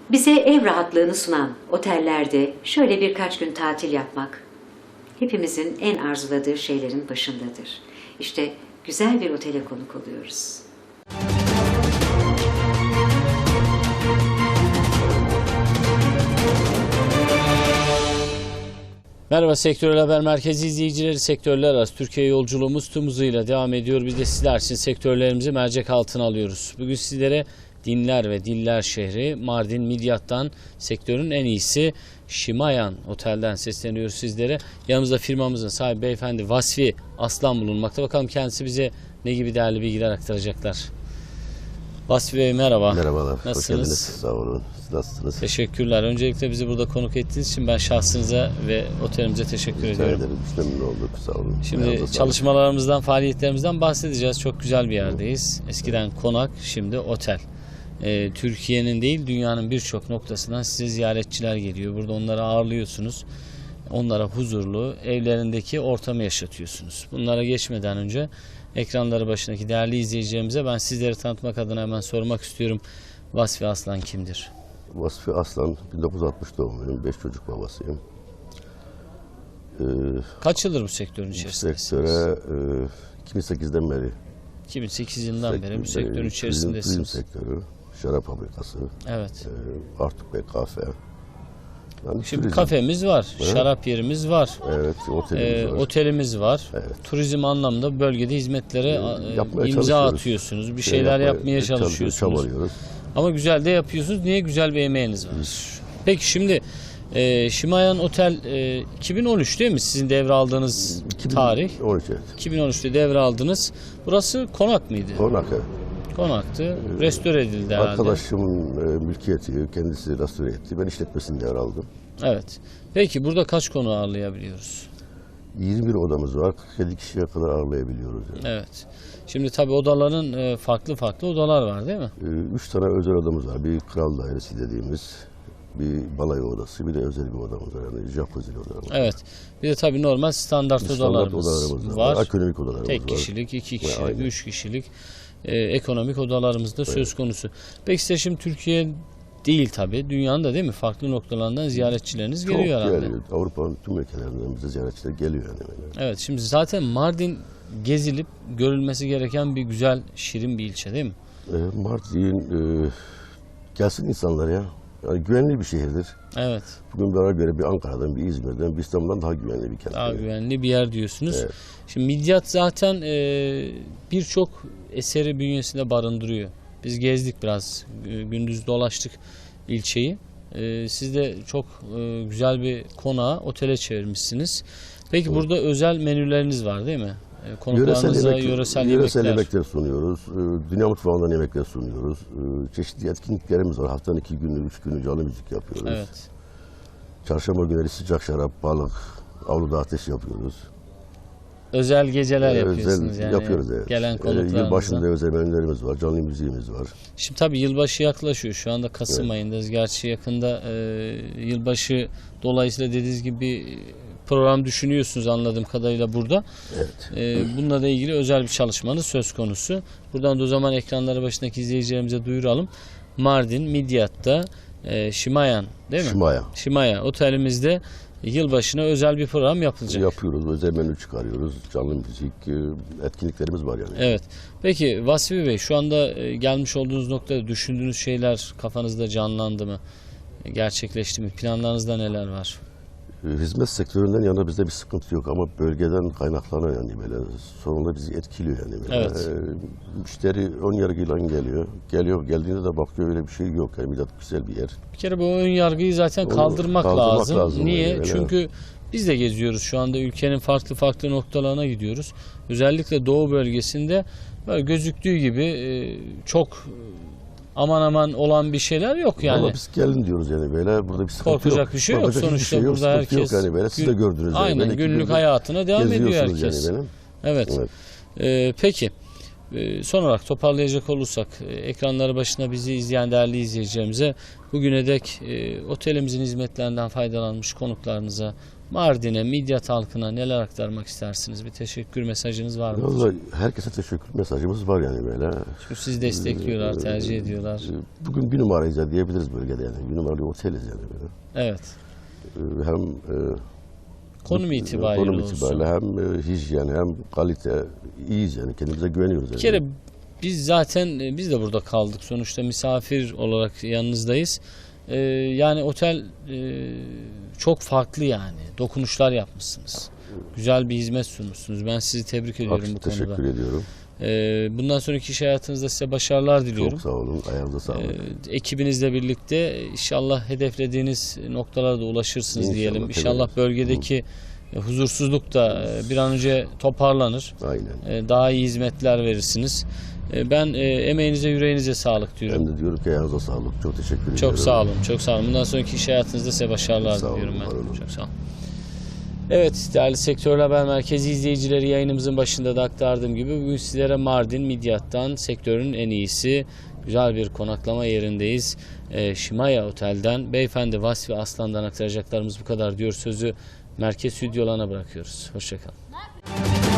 Bize ev rahatlığını sunan otellerde şöyle birkaç gün tatil yapmak hepimizin en arzuladığı şeylerin başındadır. İşte güzel bir otele konuk oluyoruz. Merhaba Sektörel Haber Merkezi izleyicileri, sektörler arası Türkiye yolculuğumuz tüm hızıyla devam ediyor. Biz de sizler için sektörlerimizi mercek altına alıyoruz. Bugün sizlere dinler ve diller şehri Mardin Midyat'tan sektörün en iyisi Şimayan Otel'den sesleniyoruz sizlere. Yanımızda firmamızın sahibi beyefendi Vasfi Aslan bulunmakta. Bakalım kendisi bize ne gibi değerli bilgiler aktaracaklar. Vasfi Bey merhaba. Merhabalar. Nasılsınız? Hoş geldiniz. Sağ olun. Siz nasılsınız? Teşekkürler. Öncelikle bizi burada konuk ettiğiniz için ben şahsınıza ve otelimize teşekkür ediyorum. Ederim. Biz memnun olduk. Sağ olun. Şimdi çalışmalarımızdan, faaliyetlerimizden bahsedeceğiz. Çok güzel bir yerdeyiz. Eskiden konak, şimdi otel. Türkiye'nin değil, dünyanın birçok noktasından size ziyaretçiler geliyor. Burada onları ağırlıyorsunuz. Onlara huzurlu, evlerindeki ortamı yaşatıyorsunuz. Bunlara geçmeden önce ekranları başındaki değerli izleyicilerimize ben sizleri tanıtmak adına hemen sormak istiyorum. Vasfi Aslan kimdir? Vasfi Aslan, 1960 doğumluyum. 5 çocuk babasıyım. Kaç yıldır bu sektörün Bu içerisindesiniz? sektöre 2008'den beri. 2008 yılından beri bu sektörün içerisindesiniz. Turizm sektörü, şarap fabrikası, Evet. Artuk Bey kafe. Yani Şimdi turizm. kafemiz var, şarap yerimiz var, Evet, otelimiz var. otelimiz var. Evet. Turizm anlamda bölgede hizmetlere Yapmaya imza çalışıyoruz. atıyorsunuz, bir şeyler yapmaya çalışıyorsunuz. Çabalıyoruz. Ama güzel de yapıyorsunuz. Niye? Güzel bir emeğiniz var. Peki şimdi Şimayan Otel 2013 değil mi? Sizin devraldığınız tarih. 13 evet. 2013'te devraldınız. Burası konak mıydı? Konak evet. Konaktı. Restore edildi herhalde. Arkadaşımın mülkiyeti, kendisi restore etti. Ben işletmesini devraldım. Evet. Peki burada kaç konu ağırlayabiliyoruz? 21 odamız var. 47 kişiye kadar ağırlayabiliyoruz. Yani. Evet. Şimdi tabii odaların farklı farklı odalar var değil mi? 3 tane özel odamız var. Bir kral dairesi dediğimiz, bir balayı odası, bir de özel bir odamız var. Yani jacuzzi odalarımız var. Evet. Bir de tabii normal standart odalarımız var. Ekonomik odalarımız Tek var. kişilik, 2 kişilik, Aynen. 3 kişilik ekonomik odalarımız da söz konusu. Peki size şimdi Türkiye değil tabii, dünyanın da değil mi? Farklı noktalarından ziyaretçileriniz Çok geliyor herhalde. geliyor. Avrupa'nın tüm ülkelerinden bize ziyaretçiler geliyor yani. Evet, şimdi zaten Mardin gezilip görülmesi gereken bir güzel, şirin bir ilçe değil mi? Mardin gelsin insanlar ya. Yani güvenli bir şehirdir. Evet. Bugün bana göre bir Ankara'dan, bir İzmir'den, bir İstanbul'dan daha güvenli bir kent. Daha güvenli bir yer diyorsunuz. Evet. Şimdi Midyat zaten birçok eseri bünyesinde barındırıyor. Biz gezdik biraz, gündüz dolaştık ilçeyi. Siz de çok güzel bir konağı otele çevirmişsiniz. Peki burada özel menüleriniz var değil mi? Konuklarınıza yöresel yemekler sunuyoruz. Dünya mutfağından yemekler sunuyoruz. Çeşitli etkinliklerimiz var. Haftanın 2 günü, 3 günü canlı müzik yapıyoruz. Evet. Çarşamba günleri sıcak şarap, balık, avluda ateş yapıyoruz. Özel geceler yapıyorsunuz yani. Yapıyoruz evet. Gelen konuklarınıza. Yılbaşında özel menülerimiz var, canlı müziğimiz var. Şimdi tabii yılbaşı yaklaşıyor. Şu anda Kasım ayındayız. Gerçi yakında yılbaşı dolayısıyla dediğiniz gibi program düşünüyorsunuz anladığım kadarıyla burada. Evet. Bununla da ilgili özel bir çalışmanız söz konusu. Buradan da o zaman ekranları başındaki izleyicilerimize duyuralım. Mardin Midyat'ta Şimayan değil mi? Şimayan otelimizde yılbaşına özel bir program yapılacak. Yapıyoruz. Özel menü çıkarıyoruz. Canlı müzik, etkinliklerimiz var yani. Evet. Peki Vasfi Bey, şu anda gelmiş olduğunuz noktada düşündüğünüz şeyler kafanızda canlandı mı? Gerçekleşti mi? Planlarınızda neler var? Hizmet sektöründen yana bizde bir sıkıntı yok ama bölgeden kaynaklanan yani böyle sorunlar bizi etkiliyor yani. Böyle. Evet. Müşteri ön yargıyla geliyor. Geldiğinde de bakıyor öyle bir şey yok. Yani Midyat güzel bir yer. Bir kere bu ön yargıyı zaten kaldırmak lazım. Niye? Yani, Çünkü biz de geziyoruz şu anda, ülkenin farklı farklı noktalarına gidiyoruz. Özellikle doğu bölgesinde böyle gözüktüğü gibi çok aman aman olan bir şeyler yok yani. Ama biz gelin diyoruz yani böyle burada bir sıkıntı korkacak yok. bir şey yok. Korkacak Sonuçta şey yok, burada herkes yok yani böyle. Siz de gördünüz. Aynen yani. günlük hayatına devam ediyor herkes. Yani evet. Peki. Son olarak toparlayacak olursak ekranları başına bizi izleyen değerli izleyicilerimize bugüne dek otelimizin hizmetlerinden faydalanmış konuklarınıza Mardin'e, Midyat halkına neler aktarmak istersiniz? Bir teşekkür mesajınız var mı? Vallahi herkese teşekkür mesajımız var yani böyle. Çünkü sizi destekliyorlar, tercih ediyorlar. Bugün bir numarayız diyebiliriz bölgede yani. Bir numaralı oteliz yani böyle. Evet. Hem Konum itibariyle olsun. hem hijyen hem kalite iyiyiz yani. Kendimize güveniyoruz. Bir kere biz zaten biz de burada kaldık. Sonuçta misafir olarak yanınızdayız. Yani otel çok farklı yani. Dokunuşlar yapmışsınız. Güzel bir hizmet sunmuşsunuz. Ben sizi tebrik ediyorum bu konuda. Teşekkür ediyorum. Bundan sonraki iş hayatınızda size başarılar diliyorum. Çok sağ olun. Ayağınıza sağlık. Ekibinizle birlikte inşallah hedeflediğiniz noktalara da ulaşırsınız İnşallah, diyelim. tabii. İnşallah bölgedeki huzursuzluk da bir an önce toparlanır. Aynen. Daha iyi hizmetler verirsiniz. Ben emeğinize, yüreğinize sağlık diyorum. Ben de diyorum ki ayağınıza sağlık. Çok teşekkür ediyorum. Çok sağ olun, çok sağ olun. Bundan sonraki iş hayatınızda size başarılar Sağ olun, diliyorum var olun. ben. Çok sağ olun. Evet, değerli Sektörel Haber Merkezi izleyicileri, yayınımızın başında da aktardığım gibi bugün sizlere Mardin Midyat'tan sektörün en iyisi güzel bir konaklama yerindeyiz. Şimaya Otel'den Beyefendi Vasfi Aslan'dan aktaracaklarımız bu kadar diyor. Sözü merkez stüdyolarına bırakıyoruz. Hoşçakalın.